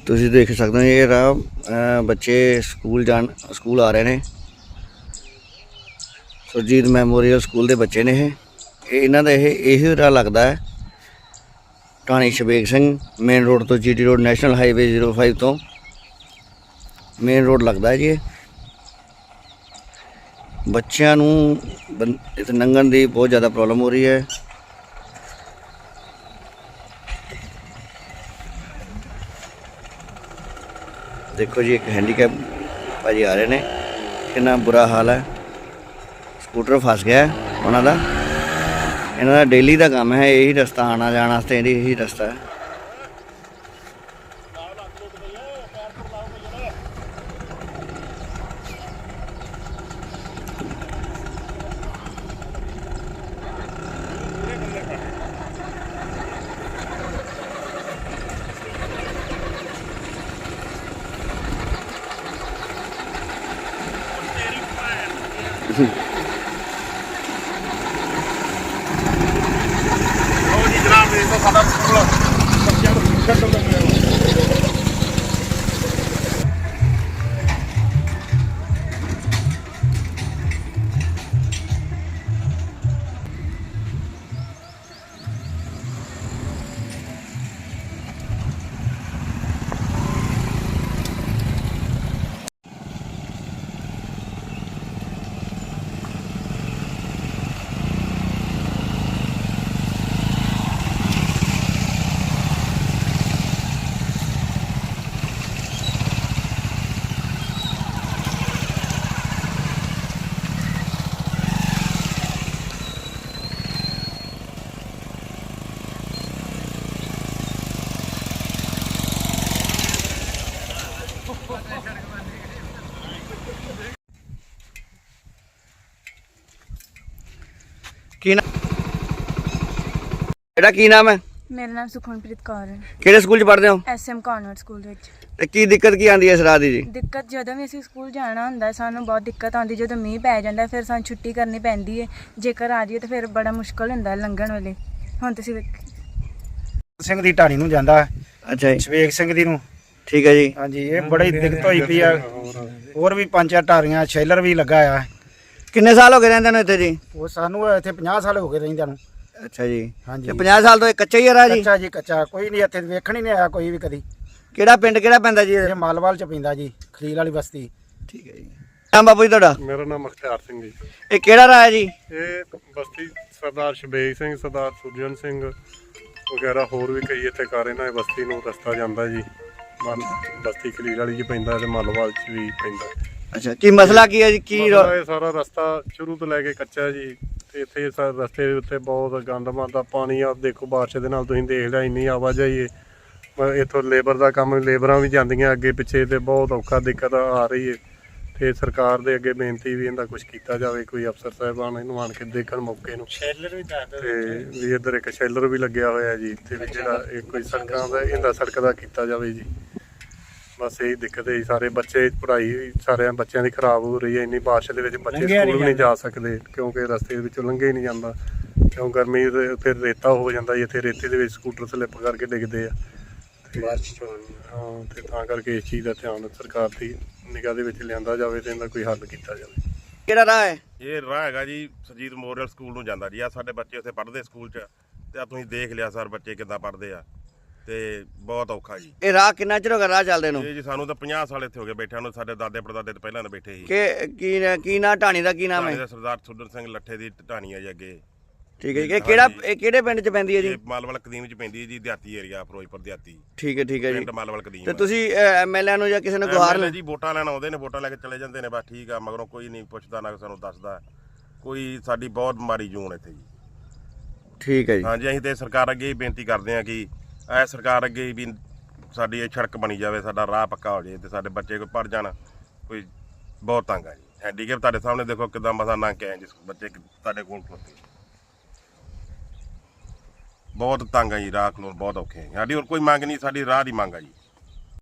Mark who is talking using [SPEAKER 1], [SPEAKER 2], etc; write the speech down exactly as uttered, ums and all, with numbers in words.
[SPEAKER 1] ਤੁਸੀਂ ਦੇਖ ਸਕਦੇ ਹੋ ਇਹ ਰਾਹ ਬੱਚੇ ਸਕੂਲ ਜਾਣ ਸਕੂਲ ਆ ਰਹੇ ਨੇ। ਸੁਰਜੀਤ ਮੈਮੋਰੀਅਲ ਸਕੂਲ ਦੇ ਬੱਚੇ ਨੇ ਇਹ ਇਹ ਇਹਨਾਂ ਦਾ ਇਹ ਇਹੀ ਰਾਹ ਲੱਗਦਾ ਹੈ ਢਾਣੀ ਸ਼ਬੇਗ ਸਿੰਘ ਮੇਨ ਰੋਡ ਤੋਂ GT road national highway zero five ਤੋਂ ਮੇਨ ਰੋਡ ਲੱਗਦਾ ਜੀ। ਬੱਚਿਆਂ ਨੂੰ ਇੱਥੇ ਲੰਘਣ ਦੀ ਬਹੁਤ ਜ਼ਿਆਦਾ ਪ੍ਰੋਬਲਮ ਹੋ ਰਹੀ ਹੈ। देखो जी एक हैंडीकैप भाजी आ रहे ने कितना बुरा हाल है। स्कूटर फस गया उन्हों का इन्हों का डेली का काम है यही रस्ता आना जाने वास्ते यही रस्ता है। ਕੀ ਨਾਮ ਇਹਦਾ ਕੀ ਨਾਮ ਹੈ?
[SPEAKER 2] ਮੇਰਾ ਨਾਮ ਸੁਖਮਨਪ੍ਰੀਤ ਕੌਰ ਹੈ।
[SPEAKER 1] ਕਿਹੜੇ ਸਕੂਲ 'ਚ ਪੜ੍ਹਦੇ ਹੋ?
[SPEAKER 2] ਐਸਐਮ ਕਾਨਵੈਂਟ ਸਕੂਲ ਵਿੱਚ।
[SPEAKER 1] ਤੇ ਕੀ ਦਿੱਕਤ ਕੀ ਆਉਂਦੀ ਹੈ ਇਸ ਰਾਹ ਦੀ ਜੀ?
[SPEAKER 2] ਦਿੱਕਤ ਜਦੋਂ ਵੀ ਅਸੀਂ ਸਕੂਲ ਜਾਣਾ ਹੁੰਦਾ ਸਾਨੂੰ ਬਹੁਤ ਦਿੱਕਤ ਆਉਂਦੀ। ਜਦੋਂ ਮੀਂਹ ਪੈ ਜਾਂਦਾ ਫਿਰ ਸਾਨੂੰ ਛੁੱਟੀ ਕਰਨੀ ਪੈਂਦੀ ਹੈ। ਜੇਕਰ ਆ ਜਾਈਏ ਤਾਂ ਫਿਰ ਬੜਾ ਮੁਸ਼ਕਲ ਹੁੰਦਾ ਲੰਘਣ ਵੇਲੇ। ਹੁਣ ਤੁਸੀਂ
[SPEAKER 3] ਸਿੰਘ ਦੀ ਢਾਣੀ ਨੂੰ ਜਾਂਦਾ।
[SPEAKER 1] ਅੱਛਾ ਜੀ।
[SPEAKER 3] ਸ਼ਵੇਗ ਸਿੰਘ ਦੀ ਨੂੰ।
[SPEAKER 1] ਠੀਕ ਹੈ ਜੀ।
[SPEAKER 3] ਹਾਂਜੀ ਇਹ ਬੜੀ ਦਿੱਕਤ ਹੋਈ ਪਈ ਆ। ਹੋਰ ਵੀ ਪੰਜ ਚਾਰ ਢਾਰੀਆਂ ਸ਼ੈਲਰ ਵੀ ਲੱਗਾ ਆ।
[SPEAKER 1] ਕਿੰਨੇ ਸਾਲ ਹੋ ਗਏ ਰਹਿੰਦੇ ਨੂੰ ਇੱਥੇ ਜੀ?
[SPEAKER 3] ਉਹ ਸਾਨੂੰ ਇੱਥੇ ਪੰਜਾਹ ਸਾਲ ਹੋ ਗਏ ਰਹਿੰਦਿਆਂ ਨੂੰ।
[SPEAKER 1] ਅੱਛਾ ਜੀ।
[SPEAKER 3] ਹਾਂਜੀ
[SPEAKER 1] ਤੇ ਪੰਜਾਹ ਸਾਲ ਤੋਂ ਇਹ ਕੱਚਾ ਹੀ ਆ ਰਾਹ ਜੀ?
[SPEAKER 3] ਕੱਚਾ ਜੀ ਕੱਚਾ, ਕੋਈ ਨਹੀਂ ਇੱਥੇ ਵੇਖਣ ਹੀ ਨਹੀਂ ਆਇਆ ਕੋਈ ਵੀ ਕਦੀ।
[SPEAKER 1] ਕਿਹੜਾ ਪਿੰਡ ਕਿਹੜਾ ਪੈਂਦਾ ਜੀ?
[SPEAKER 3] ਇਹ ਮਾਲਵਾਲ ਚ ਪੈਂਦਾ ਜੀ, ਖਲੀਲ ਵਾਲੀ ਬਸਤੀ।
[SPEAKER 1] ਠੀਕ ਹੈ ਜੀ। ਨਾਮ ਬਾਪੂ ਜੀ ਤੁਹਾਡਾ?
[SPEAKER 4] ਮੇਰਾ ਨਾਮ ਮੁਖਤਿਆਰ ਸਿੰਘ ਜੀ।
[SPEAKER 1] ਇਹ ਕਿਹੜਾ ਰਾਹ ਹੈ ਜੀ?
[SPEAKER 4] ਇਹ ਬਸਤੀ ਸਰਦਾਰ ਸ਼ਬੇਗ ਸਿੰਘ, ਸਰਦਾਰ ਸੁਰਜਨ ਸਿੰਘ ਵਗੈਰਾ ਹੋਰ ਵੀ ਕਈ ਇੱਥੇ ਘਰ ਇਹਨਾਂ ਬਸਤੀ ਨੂੰ ਰਸਤਾ ਜਾਂਦਾ ਜੀ। ਬਸਤੀ ਖਲੀਲ ਵਾਲੀ ਚ ਪੈਂਦਾ ਤੇ ਮਾਲਵਾਲ ਚ ਵੀ ਪੈਂਦਾ।
[SPEAKER 1] ਅੱਛਾ, ਕੀ ਮਸਲਾ ਕੀ ਹੈ ਜੀ? ਕੀ
[SPEAKER 4] ਇਹ ਸਾਰਾ ਰਸਤਾ ਸ਼ੁਰੂ ਤੋਂ ਲੈ ਕੇ ਕੱਚਾ ਜੀ। ਤੇ ਇੱਥੇ ਰਸਤੇ ਦੇ ਉੱਤੇ ਬਹੁਤ ਗੰਦ ਮੰਦਾ ਪਾਣੀ ਆ। ਦੇਖੋ ਬਾਰਿਸ਼ ਦੇ ਨਾਲ ਤੁਸੀਂ ਦੇਖ ਲਿਆ ਇੰਨੀ ਆਵਾਜਾਈ ਹੈ। ਇੱਥੋਂ ਲੇਬਰ ਦਾ ਕੰਮ, ਲੇਬਰਾਂ ਵੀ ਜਾਂਦੀਆਂ ਅੱਗੇ ਪਿੱਛੇ ਤੇ ਬਹੁਤ ਔਖਾ ਦਿੱਕਤ ਆ ਰਹੀ ਹੈ। ਤੇ ਸਰਕਾਰ ਦੇ ਅੱਗੇ ਬੇਨਤੀ ਵੀ ਇਹਦਾ ਕੁਝ ਕੀਤਾ ਜਾਵੇ, ਕੋਈ ਅਫਸਰ ਸਾਹਿਬਾਨ ਇਹਨੂੰ ਆਣ ਕੇ ਦੇਖਣ ਮੌਕੇ ਨੂੰ। ਸ਼ੈਲਰ ਵੀ ਦੱਸ ਦਿਓ। ਤੇ ਵੀ ਇੱਧਰ ਇੱਕ ਸ਼ੈਲਰ ਵੀ ਲੱਗਿਆ ਹੋਇਆ ਜੀ ਤੇ ਵੀ ਜਿਹੜਾ ਇਹ ਕੋਈ ਸੜਕਾਂ ਦਾ ਇਹਦਾ ਸੜਕ ਦਾ ਕੀਤਾ ਜਾਵੇ ਜੀ। ਬਸ ਇਹੀ ਦਿੱਕਤ ਹੈ। ਸਾਰੇ ਬੱਚੇ ਪੜ੍ਹਾਈ ਸਾਰਿਆਂ ਬੱਚਿਆਂ ਦੀ ਖਰਾਬ ਹੋ ਰਹੀ ਹੈ। ਇੰਨੀ ਬਾਰਿਸ਼ ਦੇ ਵਿੱਚ ਬੱਚੇ ਸਕੂਲ ਵੀ ਨਹੀਂ ਜਾ ਸਕਦੇ ਕਿਉਂਕਿ ਰਸਤੇ ਦੇ ਵਿੱਚੋਂ ਲੰਘੇ ਹੀ ਨਹੀਂ ਜਾਂਦਾ। ਕਿਉਂ ਗਰਮੀ ਫਿਰ ਰੇਤਾ ਹੋ ਜਾਂਦਾ ਜੀ। ਇੱਥੇ ਰੇਤੇ ਦੇ ਵਿੱਚ ਸਕੂਟਰ ਸਲਿੱਪ ਕਰਕੇ ਡਿੱਗਦੇ ਆ। ਹਾਂ ਤੇ ਤਾਂ ਕਰਕੇ ਇਸ ਚੀਜ਼ ਦਾ ਧਿਆਨ ਸਰਕਾਰ ਦੀ ਨਿਗਾਹ ਦੇ ਵਿੱਚ ਲਿਆਂਦਾ ਜਾਵੇ ਤੇ ਇਹਦਾ ਕੋਈ ਹੱਲ ਕੀਤਾ ਜਾਵੇ।
[SPEAKER 1] ਕਿਹੜਾ ਰਾਹ ਹੈ?
[SPEAKER 5] ਇਹ ਰਾਹ ਹੈਗਾ ਜੀ ਸੁਰਜੀਤ ਮੈਮੋਰੀਅਲ ਸਕੂਲ ਨੂੰ ਜਾਂਦਾ ਜੀ। ਆ ਸਾਡੇ ਬੱਚੇ ਉੱਥੇ ਪੜ੍ਹਦੇ ਸਕੂਲ 'ਚ ਤੇ ਆ ਤੁਸੀਂ ਦੇਖ ਲਿਆ ਸਰ ਬੱਚੇ ਕਿੱਦਾਂ ਪੜ੍ਹਦੇ ਆ ਤੇ ਬਹੁਤ ਔਖਾ ਜੀ।
[SPEAKER 1] ਇਹ ਰਾਹ ਕਿੰਨਾ ਚਿਰ ਹੋ ਗਿਆ ਰਾਹ ਚੱਲਦੇ ਨੂੰ?
[SPEAKER 5] ਇਹ ਜੀ ਸਾਨੂੰ ਤਾਂ ਪੰਜਾਹ ਸਾਲ ਇੱਥੇ ਹੋ ਗਏ ਬੈਠਿਆਂ ਨੂੰ। ਸਾਡੇ ਦਾਦੇ ਪੜਦਾਦੇ ਤੋਂ ਪਹਿਲਾਂ ਦੇ ਬੈਠੇ ਸੀ।
[SPEAKER 1] ਕਿ ਕੀ ਕੀ ਨਾਂ ਢਾਣੀ ਦਾ? ਕੀ ਨਾਮ ਹੈ?
[SPEAKER 5] ਸਰਦਾਰ ਸੁਰਜਨ ਸਿੰਘ ਲੱਠੇ ਦੀ ਢਾਣੀ ਆ ਜੀ ਅੱਗੇ।
[SPEAKER 1] ਠੀਕ ਹੈ ਜੀ। ਇਹ ਕਿਹੜਾ ਇਹ ਕਿਹੜੇ ਪਿੰਡ 'ਚ ਪੈਂਦੀ ਹੈ ਜੀ?
[SPEAKER 5] ਇਹ ਮਾਲਵਾਲ ਕਦੀਮ 'ਚ ਪੈਂਦੀ ਹੈ ਜੀ, ਦਿਹਾਤੀ ਏਰੀਆ ਫਿਰੋਜ਼ਪੁਰ ਦਿਹਾਤੀ।
[SPEAKER 1] ਠੀਕ ਹੈ ਠੀਕ ਹੈ ਜੀ।
[SPEAKER 5] ਪਿੰਡ ਮਾਲਵਾਲ ਕਦੀਮ।
[SPEAKER 1] ਤੇ ਤੁਸੀਂ ਐਮਐਲਏ ਨੂੰ ਜਾਂ ਕਿਸੇ ਨੂੰ ਗੁਹਾਰ ਲੈ
[SPEAKER 5] ਜੀ ਵੋਟਾਂ ਲੈਣ ਆਉਂਦੇ ਨੇ, ਵੋਟਾਂ ਲੈ ਕੇ ਚਲੇ ਜਾਂਦੇ ਨੇ। ਬਸ ਠੀਕ ਆ, ਮਗਰੋਂ ਕੋਈ ਨਹੀਂ ਪੁੱਛਦਾ ਨਾ ਸਾਨੂੰ ਦੱਸਦਾ ਕੋਈ। ਸਾਡੀ ਬਹੁਤ ਮਾੜੀ ਜੂਨ ਇੱਥੇ ਜੀ।
[SPEAKER 1] ਠੀਕ ਹੈ ਜੀ।
[SPEAKER 5] ਹਾਂਜੀ ਅਸੀਂ ਤੇ ਸਰਕਾਰ ਅੱਗੇ ਹੀ ਬੇਨਤੀ ਕਰਦੇ ਹਾਂ ਕਿ ਇਹ ਸਰਕਾਰ ਅੱਗੇ ਵੀ ਸਾਡੀ ਇਹ ਸੜਕ ਬਣੀ ਜਾਵੇ, ਸਾਡਾ ਰਾਹ ਪੱਕਾ ਹੋ ਜਾਏ ਤੇ ਸਾਡੇ ਬੱਚੇ ਕੋਈ ਪੜ੍ਹ ਜਾਣ। ਕੋਈ ਬਹੁਤ ਤੰਗ ਆ ਜੀ। ਹੈਂਡੀਕੈਪ ਤੁਹਾਡੇ ਸਾਹਮਣੇ ਦੇਖੋ ਕਿੱਦਾਂ ਮਸਾਂ ਲੰਘ ਕੇ ਆਏ ਜਿਸ ਬੱਚੇ ਤੁਹਾਡੇ ਕੋਲ ਖਲੋਤੇ। ਬਹੁਤ ਤੰਗ ਆ ਜੀ, ਰਾਹ ਖਲੋਣ ਬਹੁਤ ਔਖੇ ਆ। ਸਾਡੀ ਹੋਰ ਕੋਈ ਮੰਗ ਨਹੀਂ, ਸਾਡੀ ਰਾਹ ਦੀ ਮੰਗ ਆ ਜੀ।